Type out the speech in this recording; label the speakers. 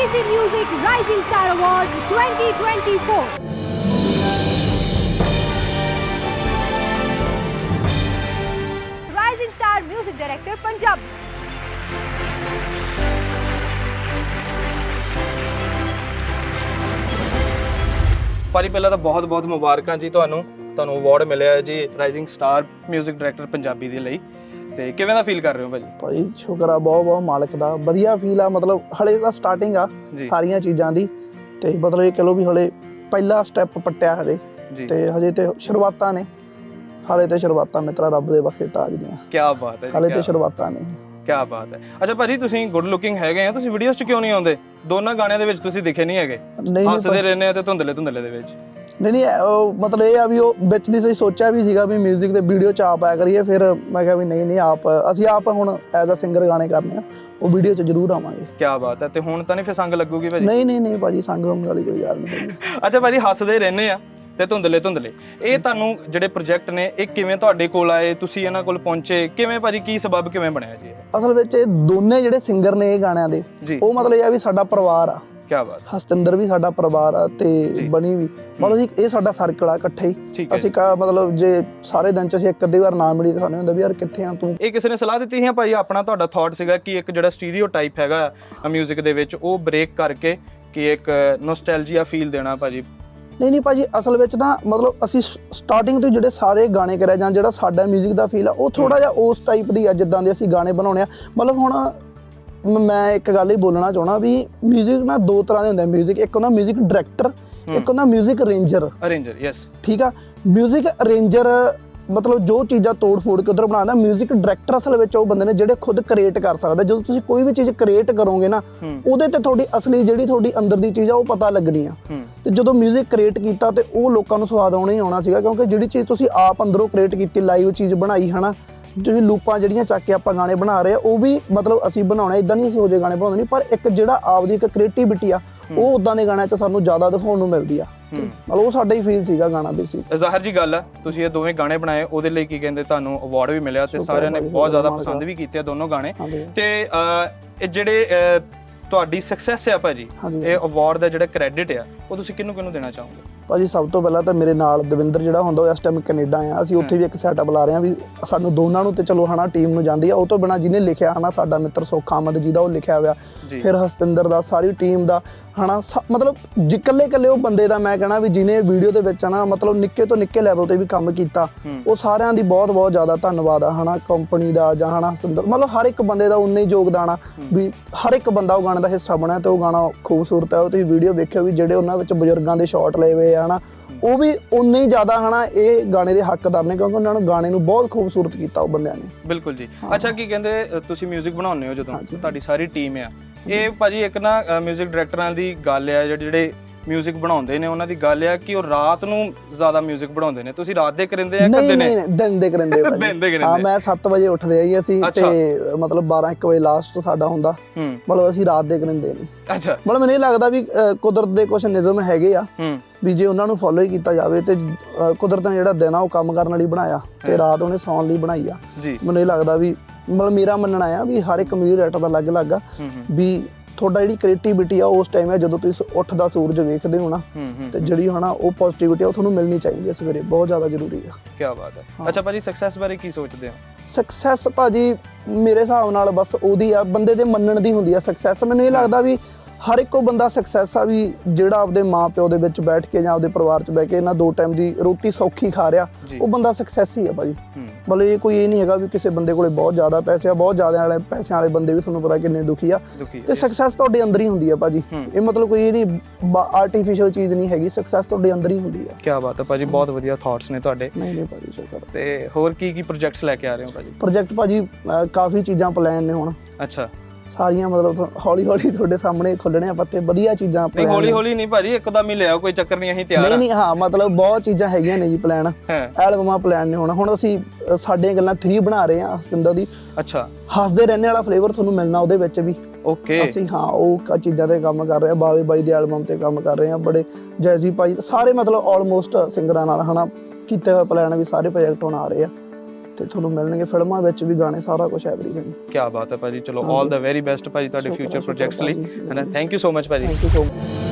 Speaker 1: BBC Music Rising Star Awards 2024. Rising Star Music Director Punjab.
Speaker 2: ਭਾਜੀ ਪਹਿਲਾਂ ਤਾਂ ਬਹੁਤ ਮੁਬਾਰਕਾਂ ਜੀ ਤੁਹਾਨੂੰ ਅਵਾਰਡ ਮਿਲਿਆ ਜੀ ਰਾਈਜ਼ਿੰਗ ਸਟਾਰ 뮤직 ਡਾਇਰੈਕਟਰ ਪੰਜਾਬੀ ਦੇ ਲਈ। ਤੇ ਕਿਵੇਂ ਦਾ ਫੀਲ ਕਰ ਰਹੇ ਹੋ ਭਾਜੀ?
Speaker 3: ਭਾਈ ਸ਼ੁਕਰ ਆ ਬਹੁਤ ਮਾਲਕ ਦਾ, ਵਧੀਆ ਫੀਲ ਆ। ਮਤਲਬ ਹਲੇ ਤਾਂ ਸਟਾਰਟਿੰਗ ਆ ਸਾਰੀਆਂ ਚੀਜ਼ਾਂ ਦੀ, ਤੇ ਮਤਲਬ ਇਹ ਕਹ ਲਓ ਵੀ ਹਲੇ ਪਹਿਲਾ ਸਟੈਪ ਪੱਟਿਆ ਹਜੇ, ਤੇ ਹਜੇ ਤੇ ਸ਼ੁਰੂਆਤਾਂ ਨੇ, ਹਲੇ ਤੇ ਸ਼ੁਰੂਆਤਾਂ ਮਿੱਤਰਾ ਰੱਬ ਦੇ ਬਖਸ਼ੇ ਤਾਜ ਦੀਆਂ।
Speaker 2: ਕੀ ਬਾਤ ਹੈ ਜੀ,
Speaker 3: ਹਲੇ ਤੇ ਸ਼ੁਰੂਆਤਾਂ ਨੇ।
Speaker 2: ਕੀ ਬਾਤ ਹੈ। ਅੱਛਾ ਭਾਜੀ, ਤੁਸੀਂ ਗੁੱਡ ਲੁਕਿੰਗ ਹੈਗੇ ਆ, ਤੁਸੀਂ ਵੀਡੀਓਜ਼ 'ਚ ਕਿਉਂ ਨਹੀਂ ਆਉਂਦੇ? ਦੋਨਾਂ ਗਾਣਿਆਂ ਦੇ ਵਿੱਚ ਤੁਸੀਂ ਦਿਖੇ ਨਹੀਂ ਹੈਗੇ, ਹੱਸਦੇ ਰਹਿੰਦੇ ਆ ਤੇ ਧੁੰਦਲੇ ਦੇ ਵਿੱਚ। ਨਹੀਂ
Speaker 3: ਉਹ ਮਤਲਬ ਇਹ ਆ ਵੀ ਉਹ ਵਿੱਚ ਦੀ ਸਹੀ ਸੋਚਿਆ ਵੀ ਸੀਗਾ ਵੀ ਮਿਊਜ਼ਿਕ ਦੇ ਵੀਡੀਓ 'ਚ ਆਪ ਆਇਆ ਕਰੀਏ, ਫਿਰ ਮੈਂ ਕਿਹਾ ਵੀ ਨਹੀਂ ਅਸੀਂ ਆਪ ਹੁਣ ਐਜ਼ ਅ ਸਿੰਗਰ ਗਾਣੇ ਕਰਨੇ ਆ, ਉਹ ਵੀਡੀਓ 'ਚ ਜ਼ਰੂਰ ਆਵਾਂਗੇ।
Speaker 2: ਕੀ ਬਾਤ ਹੈ। ਤੇ ਹੁਣ ਤਾਂ ਨਹੀਂ ਫਿਰ ਸੰਗ ਲੱਗੂਗੀ ਭਾਜੀ?
Speaker 3: ਨਹੀਂ ਭਾਜੀ, ਸੰਗ ਵਾਲੀ ਕੋਈ ਗੱਲ ਨਹੀਂ।
Speaker 2: ਅੱਛਾ ਭਾਜੀ, ਹੱਸਦੇ ਰਹਿੰਦੇ ਆ ਤੇ ਧੁੰਦਲੇ ਇਹ ਤੁਹਾਨੂੰ ਜਿਹੜੇ ਪ੍ਰੋਜੈਕਟ ਨੇ ਇਹ ਕਿਵੇਂ ਤੁਹਾਡੇ ਕੋਲ ਆਏ, ਤੁਸੀਂ ਇਹਨਾਂ ਕੋਲ ਪਹੁੰਚੇ ਕਿਵੇਂ ਭਾਜੀ, ਕੀ ਸਬਬ ਕਿਵੇਂ ਬਣਿਆ ਜੀ?
Speaker 3: ਅਸਲ ਵਿੱਚ ਇਹ ਦੋਨੇ ਜਿਹੜੇ ਸਿੰਗਰ ਨੇ ਇਹ ਗਾਣਿਆਂ ਦੇ, ਉਹ ਮਤਲਬ ਇਹ ਆ ਵੀ ਸਾਡਾ ਪਰਿਵਾਰ ਆ।
Speaker 2: ਕੀ ਬਾਤ।
Speaker 3: ਹਸਤਿੰਦਰ ਵੀ ਸਾਡਾ ਪਰਿਵਾਰ ਆ ਤੇ ਬਣੀ ਵੀ, ਮਤਲਬ ਇਹ ਸਾਡਾ ਸਰਕਲ ਆ ਇਕੱਠੇ ਹੀ। ਅਸੀਂ ਮਤਲਬ ਜੇ ਸਾਰੇ ਦਿਨ ਚ ਅਸੀਂ ਇੱਕ ਅੱਧੀ ਵਾਰ ਨਾ ਮਿਲੀ ਤਾਂ ਸਾਨੂੰ ਹੁੰਦਾ ਵੀ ਯਾਰ ਕਿੱਥੇ ਆ ਤੂੰ। ਇਹ
Speaker 2: ਕਿਸੇ ਨੇ ਸਲਾਹ ਦਿੱਤੀ ਸੀ ਭਾਈ, ਆਪਣਾ ਤੁਹਾਡਾ ਥਾਟ ਸੀਗਾ ਕਿ ਇੱਕ ਜਿਹੜਾ ਸਟੀਰੀਓਟਾਈਪ ਹੈਗਾ ਮਿਊਜ਼ਿਕ ਦੇ ਵਿੱਚ ਉਹ ਬ੍ਰੇਕ ਕਰਕੇ ਕਿ ਇੱਕ ਨੋਸਟੈਲਜੀਆ ਫੀਲ ਦੇਣਾ ਭਾਜੀ?
Speaker 3: ਨਹੀਂ ਭਾਜੀ, ਅਸਲ ਵਿੱਚ ਨਾ ਮਤਲਬ ਅਸੀਂ ਸਟਾਰਟਿੰਗ ਤੋਂ ਜਿਹੜੇ ਸਾਰੇ ਗਾਣੇ ਕਰਿਆ ਜਾਂ ਜਿਹੜਾ ਸਾਡਾ ਮਿਊਜ਼ਿਕ ਦਾ ਫੀਲ ਆ ਉਹ ਥੋੜਾ ਜਿਹਾ ਉਸ ਟਾਈਪ ਦੀ ਆ ਜਿੱਦਾਂ ਦੇ ਅਸੀਂ ਗਾਣੇ ਬਣਾਉਣੇ ਆ। ਮਤਲਬ ਹੁਣ ਮੈਂ ਇੱਕ ਗੱਲ ਹੀ ਬੋਲਣਾ ਚਾਹਣਾ ਵੀ ਮਿਊਜ਼ਿਕ ਨਾ ਦੋ ਤਰ੍ਹਾਂ ਦੇ ਹੁੰਦੇ ਆ ਮਿਊਜ਼ਿਕ। ਇੱਕ ਹੁੰਦਾ ਮਿਊਜ਼ਿਕ ਡਾਇਰੈਕਟਰ, ਇੱਕ ਹੁੰਦਾ ਮਿਊਜ਼ਿਕ ਅਰੇਂਜਰ।
Speaker 2: ਯੈਸ,
Speaker 3: ਠੀਕ ਆ। ਮਿਊਜ਼ਿਕ ਅਰੇਂਜਰ ਮਤਲਬ ਜੋ ਚੀਜ਼ਾਂ ਤੋੜ ਫੋੜ ਕੇ ਉਧਰ ਬਣਾਉਂਦਾ। ਮਿਊਜ਼ਿਕ ਡਾਇਰੈਕਟਰ ਅਸਲ ਵਿੱਚ ਉਹ ਬੰਦੇ ਨੇ ਜਿਹੜੇ ਖੁਦ ਕ੍ਰੀਏਟ ਕਰ ਸਕਦੇ। ਜਦੋਂ ਤੁਸੀਂ ਕੋਈ ਵੀ ਚੀਜ਼ ਕ੍ਰੀਏਟ ਕਰੋਗੇ ਨਾ, ਉਹਦੇ ਤੇ ਤੁਹਾਡੀ ਅਸਲੀ ਜਿਹੜੀ ਤੁਹਾਡੀ ਅੰਦਰ ਦੀ ਚੀਜ਼ ਆ ਉਹ ਪਤਾ ਲੱਗਣੀ ਆ। ਤੇ ਜਦੋਂ ਮਿਊਜ਼ਿਕ ਕ੍ਰੀਏਟ ਕੀਤਾ ਤੇ ਉਹ ਲੋਕਾਂ ਨੂੰ ਸਵਾਦ ਆਉਣਾ ਹੀ ਆਉਣਾ ਸੀਗਾ, ਕਿਉਂਕਿ ਜਿਹੜੀ ਚੀਜ਼ ਤੁਸੀਂ ਆਪ ਅੰਦਰੋਂ ਕ੍ਰੀਏਟ ਕੀਤੀ, ਲਾਈਵ ਚੀਜ਼ ਬਣਾਈ ਹਨਾ, ਤੁਸੀਂ ਲੂਪਾਂ ਜਿਹੜੀਆਂ ਚੱਕ ਕੇ ਆਪਾਂ ਗਾਣੇ ਬਣਾ ਰਹੇ ਆ ਉਹ ਵੀ ਮਤਲਬ ਅਸੀਂ ਬਣਾਉਣਾ। ਇਦਾਂ ਨਹੀਂ ਅਸੀਂ ਹੋ ਜੇ ਗਾਣੇ ਬਣਾਉਂਦੇ ਨਹੀਂ, ਪਰ ਇੱਕ ਜਿਹੜਾ ਆਪਦੀ ਇੱਕ ਕ੍ਰੀਏਟੀਵਿਟੀ ਆ ਉਹ ਉਦਾਂ ਦੇ ਗਾਣਿਆਂ 'ਚ ਸਾਨੂੰ ਜ਼ਿਆਦਾ ਦਿਖਾਉਣ ਨੂੰ ਮਿਲਦੀ ਆ। ਮਤਲਬ ਉਹ ਸਾਡਾ ਹੀ ਫੀਲ ਸੀਗਾ ਗਾਣਾ ਬੇਸਿਕ।
Speaker 2: ਜ਼ਾਹਿਰ ਜੀ ਗੱਲ ਆ, ਤੁਸੀਂ ਇਹ ਦੋਵੇਂ ਗਾਣੇ ਬਣਾਏ, ਉਹਦੇ ਲਈ ਕੀ ਕਹਿੰਦੇ ਤੁਹਾਨੂੰ ਅਵਾਰਡ ਵੀ ਮਿਲਿਆ ਤੇ ਸਾਰਿਆਂ ਨੇ ਬਹੁਤ ਜ਼ਿਆਦਾ ਪਸੰਦ ਵੀ ਕੀਤੇ ਆ ਦੋਨੋਂ ਗਾਣੇ। ਤੇ ਇਹ ਜਿਹੜੇ ਤੁਹਾਡੀ ਸਕਸੈਸ ਆ ਭਾਜੀ, ਇਹ ਅਵਾਰਡ ਦਾ ਜਿਹੜਾ ਕ੍ਰੈਡਿਟ ਆ ਉਹ ਤੁਸੀਂ ਕਿਹਨੂੰ ਦੇਣਾ ਚਾਹੋਗੇ? ਭਾਜੀ
Speaker 3: ਸਭ ਤੋਂ ਪਹਿਲਾਂ ਤਾਂ ਮੇਰੇ ਨਾਲ ਦਵਿੰਦਰ ਜਿਹੜਾ ਹੁੰਦਾ ਉਹ ਇਸ ਟਾਈਮ ਕੈਨੇਡਾ ਆ। ਅਸੀਂ ਉੱਥੇ ਵੀ ਇੱਕ ਸੈਟਅਪ ਲਾ ਰਹੇ ਹਾਂ ਵੀ ਸਾਨੂੰ ਦੋਨਾਂ ਨੂੰ ਤੇ ਚਲੋ ਹਨਾ ਟੀਮ ਨੂੰ ਜਾਂਦੀ ਆ। ਉਹ ਤੋਂ ਬਿਨਾਂ ਜਿਹਨੇ ਲਿਖਿਆ ਹਨਾ ਸਾਡਾ ਮਿੱਤਰ ਸੁੱਖ ਆਮਦ ਜੀ ਦਾ ਉਹ ਲਿਖਿਆ ਹੋਇਆ, ਫਿਰ ਹਸਤਿੰਦਰ ਦਾ, ਸਾਰੀ ਟੀਮ ਦਾ ਹਨਾ, ਮਤਲਬ ਇਕੱਲੇ ਉਹ ਬੰਦੇ ਦਾ ਮੈਂ ਕਹਿਣਾ ਵੀ ਜਿਹਨੇ ਵੀਡੀਓ ਦੇ ਵਿੱਚ ਨਾ ਮਤਲਬ ਨਿੱਕੇ ਤੋਂ ਨਿੱਕੇ ਲੈਵਲ ਤੇ ਵੀ ਕੰਮ ਕੀਤਾ, ਉਹ ਸਾਰਿਆਂ ਦੀ ਬਹੁਤ ਜ਼ਿਆਦਾ ਧੰਨਵਾਦ ਆ ਹਨਾ, ਕੰਪਨੀ ਦਾ ਜਾਂ ਹਨਾ ਹਸਤਿੰਦਰ, ਮਤਲਬ ਹਰ ਇੱਕ ਬੰਦੇ ਦਾ ਉਨਾ ਹੀ ਯੋਗਦਾਨ ਆ ਵੀ ਹਰ ਇੱਕ ਬੰਦਾ ਉਹ ਗਾਣੇ ਦਾ ਹਿੱਸਾ ਬਣਿਆ। ਤੇ ਉਹ ਗਾਣਾ ਖੂਬਸੂਰਤ ਹੈ, ਉਹ ਤੁਸੀਂ ਵੀਡੀਓ ਵੇਖਿਓ ਵੀ ਜਿਹੜੇ ਉਹਨਾਂ ਵਿੱਚ ਬਜ਼ੁਰਗਾਂ ਦੇ ਸ਼ਾਟ ਲਏ ਹੋਏ ਆ ਹਨਾ, ਉਹ ਵੀ ਉਨੇ ਹੀ ਜ਼ਿਆਦਾ ਹਨਾ ਇਹ ਗਾਣੇ ਦੇ ਹੱਕਦਾਰ ਨੇ, ਕਿਉਂਕਿ ਉਹਨਾਂ ਨੂੰ ਗਾਣੇ ਨੂੰ ਬਹੁਤ ਖੂਬਸੂਰਤ ਕੀਤਾ ਉਹ ਬੰਦਿਆਂ ਨੇ।
Speaker 2: ਬਿਲਕੁਲ ਜੀ। ਅੱਛਾ, ਕੀ ਕਹਿੰਦੇ ਤੁਸੀਂ ਮਿਊਜ਼ਿਕ ਬਣਾਉਂਦੇ ਹੋ ਜਦੋਂ ਤੁਹਾਡੀ ਸਾਰੀ ਟੀਮ ਆ, ਇਹ ਭਾਜੀ ਇੱਕ ਨਾ ਮਿਊਜ਼ਿਕ ਡਾਇਰੈਕਟਰਾਂ ਦੀ ਗੱਲ ਆ, ਜਿਹੜੇ ਮਿਊਜ਼ਿਕ ਬਣਾਉਂਦੇ ਨੇ ਉਹਨਾਂ ਦੀ ਗੱਲ ਆ ਕਿ ਉਹ ਰਾਤ ਨੂੰ ਜ਼ਿਆਦਾ ਮਿਊਜ਼ਿਕ ਬਣਾਉਂਦੇ ਨੇ। ਤੁਸੀਂ ਰਾਤ ਦੇ ਕਰਿੰਦੇ ਆ ਕਿ
Speaker 3: ਦਿਨ ਦੇ ਕਰਿੰਦੇ? ਹਾਂ, ਮੈਂ 7 ਵਜੇ ਉੱਠਦੇ ਆ ਜੀ ਅਸੀਂ, ਤੇ ਮਤਲਬ 12-1 ਵਜੇ ਲਾਸਟ ਸਾਡਾ ਹੁੰਦਾ, ਮਤਲਬ ਅਸੀਂ ਰਾਤ ਦੇ ਕਰਿੰਦੇ ਨਹੀਂ।
Speaker 2: ਅੱਛਾ,
Speaker 3: ਮਤਲਬ ਮੈਨੂੰ ਇਹ ਲੱਗਦਾ ਵੀ ਕੁਦਰਤ ਦੇ ਕੁਝ ਨਿਯਮ ਹੈਗੇ ਆ ਵੀ ਜੇ ਉਹਨਾਂ ਨੂੰ ਫੋਲੋ ਹੀ ਕੀਤਾ ਜਾਵੇ ਤੇ ਕੁਦਰਤ ਨੇ ਜਿਹੜਾ ਦਿਨ ਆ ਉਹ ਕੰਮ ਕਰਨ ਲਈ ਬਣਾਇਆ ਤੇ ਰਾਤ ਉਹਨੇ ਸੌਣ ਲਈ ਬਣਾਈ ਆ। ਮੈਨੂੰ ਇਹ ਲੱਗਦਾ ਵੀ ਮਤਲਬ ਮੇਰਾ ਮੰਨਣਾ ਆ ਵੀ ਹਰ ਇੱਕ ਮਿਊਜ਼ਿਕ ਡਾਇਰੈਕਟਰ ਦਾ ਅਲੱਗ-ਅਲੱਗ ਆ ਵੀ ਤੁਹਾਡਾ ਜਿਹੜੀ ਕ੍ਰੀਏਟੀਵਿਟੀ ਆ ਉਸ ਟਾਈਮ ਹੈ ਜਦੋਂ ਤੁਸੀਂ ਉੱਠਦਾ ਸੂਰਜ ਵੇਖਦੇ ਹੋ ਨਾ, ਤੇ ਜਿਹੜੀ ਹਨਾ ਉਹ ਪੋਜ਼ਿਟਿਵਿਟੀ ਆ ਉਹ ਤੁਹਾਨੂੰ ਮਿਲਣੀ ਚਾਹੀਦੀ ਹੈ ਸਵੇਰੇ, ਬਹੁਤ ਜ਼ਿਆਦਾ ਜ਼ਰੂਰੀ ਆ।
Speaker 2: ਕੀ ਬਾਤ ਹੈ। ਅੱਛਾ ਭਾਜੀ, ਸਕਸੈਸ ਬਾਰੇ ਕੀ ਸੋਚਦੇ ਹੋ?
Speaker 3: ਸਕਸੈਸ ਭਾਜੀ ਮੇਰੇ ਹਿਸਾਬ ਨਾਲ ਬਸ ਉਹਦੀ ਆ ਬੰਦੇ ਦੇ ਮੰਨਣ ਦੀ ਹੁੰਦੀ ਆ ਸਕਸੈਸ। ਮੈਨੂੰ ਇਹ ਲੱਗਦਾ ਵੀ ਹਰ ਇੱਕ ਉਹ ਬੰਦਾ ਸਕਸੈਸ ਆ ਵੀ ਜਿਹੜਾ ਆਪਦੇ ਮਾਂ ਪਿਓ ਦੇ ਵਿੱਚ ਬੈਠ ਕੇ ਜਾਂ ਆਪਦੇ ਪਰਿਵਾਰ 'ਚ ਬਹਿ ਕੇ ਇਹਨਾਂ 2 ਟਾਈਮ ਦੀ ਰੋਟੀ ਸੌਖੀ ਖਾ ਰਿਹਾ, ਉਹ ਬੰਦਾ ਸਕਸੈਸ ਹੀ ਆ ਭਾਜੀ। ਮਤਲਬ ਇਹ ਕੋਈ ਇਹ ਨਹੀਂ ਹੈਗਾ ਵੀ ਕਿਸੇ ਬੰਦੇ ਕੋਲੇ ਬਹੁਤ ਜ਼ਿਆਦਾ ਪੈਸੇ ਆ, ਬਹੁਤ ਜ਼ਿਆਦਾ ਵਾਲੇ ਪੈਸਿਆਂ ਵਾਲੇ ਬੰਦੇ ਵੀ ਤੁਹਾਨੂੰ ਪਤਾ ਕਿੰਨੇ ਦੁਖੀ ਆ, ਤੇ ਸਕਸੈਸ ਤੁਹਾਡੇ ਅੰਦਰ ਹੀ ਹੁੰਦੀ ਆ ਭਾਜੀ। ਇਹ ਮਤਲਬ ਕੋਈ ਇਹ ਨਹੀਂ ਆਰਟੀਫੀਸ਼ੀਅਲ ਚੀਜ਼ ਨਹੀਂ ਹੈਗੀ, ਸਕਸੈਸ ਤੁਹਾਡੇ ਅੰਦਰ ਹੀ ਹੁੰਦੀ ਆ।
Speaker 2: ਕੀ ਬਾਤ ਹੈ ਭਾਜੀ, ਬਹੁਤ ਵਧੀਆ ਥਾਟਸ ਨੇ ਤੁਹਾਡੇ।
Speaker 3: ਨਹੀਂ ਭਾਜੀ ਸ਼ੁਕਰ।
Speaker 2: ਤੇ ਹੋਰ ਕੀ ਪ੍ਰੋਜੈਕਟਸ ਲੈ ਕੇ ਆ ਰਹੇ ਹੋ ਭਾਜੀ?
Speaker 3: ਪ੍ਰੋਜੈਕਟ ਭਾਜੀ ਕਾਫੀ ਚੀਜ਼ਾਂ ਪਲਾਨ ਨੇ ਹੁਣ।
Speaker 2: ਅੱਛਾ,
Speaker 3: ਸਾਰੀਆਂ ਮਤਲਬ ਹੌਲੀ ਤੁਹਾਡੇ ਸਾਹਮਣੇ ਖੁੱਲਣੇ ਆ ਪੱਤੇ, ਵਧੀਆ ਚੀਜ਼ਾਂ।
Speaker 2: ਨਹੀਂ ਹੌਲੀ ਨਹੀਂ ਭਾਜੀ, ਇੱਕਦਮ ਹੀ ਲਿਆਓ, ਕੋਈ ਚੱਕਰ ਨਹੀਂ, ਅਸੀਂ ਤਿਆਰ ਆ।
Speaker 3: ਨਹੀਂ ਹਾਂ, ਮਤਲਬ ਬਹੁਤ ਚੀਜ਼ਾਂ ਹੈਗੀਆਂ ਨੇ ਜੀ ਪਲਾਨ, ਐਲਬਮਾਂ ਪਲਾਨ ਨੇ ਹੁਣ ਅਸੀਂ ਸਾਡੀਆਂ ਗੱਲਾਂ 3 ਬਣਾ ਰਹੇ ਆ ਹਸਤਿੰਦਰ ਦੀ।
Speaker 2: ਅੱਛਾ,
Speaker 3: ਹੱਸਦੇ ਰਹਿਣੇ ਵਾਲਾ ਫਲੇਵਰ ਤੁਹਾਨੂੰ ਮਿਲਣਾ ਉਹਦੇ ਵਿੱਚ ਵੀ।
Speaker 2: ਓਕੇ,
Speaker 3: ਅਸੀਂ ਹਾਂ ਉਹ ਚੀਜ਼ਾਂ ਤੇ ਕੰਮ ਕਰ ਰਹੇ ਆ, ਬਾਵੇ ਬਾਈ ਦੇ ਐਲਬਮ ਤੇ ਕੰਮ ਕਰ ਰਹੇ ਆ, ਬੜੇ ਜੈਜ਼ੀ ਭਾਈ ਸਾਰੇ ਮਤਲਬ ਆਲਮੋਸਟ ਸਿੰਗਰਾਂ ਨਾਲ ਹਨਾ ਕੀਤੇ ਹੋਏ ਪਲਾਨ ਵੀ ਸਾਰੇ ਪ੍ਰੋਜੈਕਟ ਹੁਣ ਆ ਰਹੇ ਆ। ਤੇ ਤੁਹਾਨੂੰ ਮਿਲਣਗੇ ਫਿਲਮਾਂ ਵਿੱਚ ਵੀ ਗਾਣੇ, ਸਾਰਾ ਕੁਝ ਐਵਰੀਥਿੰਗ।
Speaker 2: ਕੀ ਬਾਤ ਹੈ ਭਾਜੀ, ਚਲੋ ਆਲ ਦਾ ਵੈਰੀ ਬੈਸਟ ਭਾਜੀ ਤੁਹਾਡੇ ਫਿਊਚਰ ਪ੍ਰੋਜੈਕਟਸ ਲਈ, ਹੈ ਨਾ। ਥੈਂਕ ਯੂ ਸੋ ਮਚ ਭਾਜੀ।
Speaker 3: Thank you so much.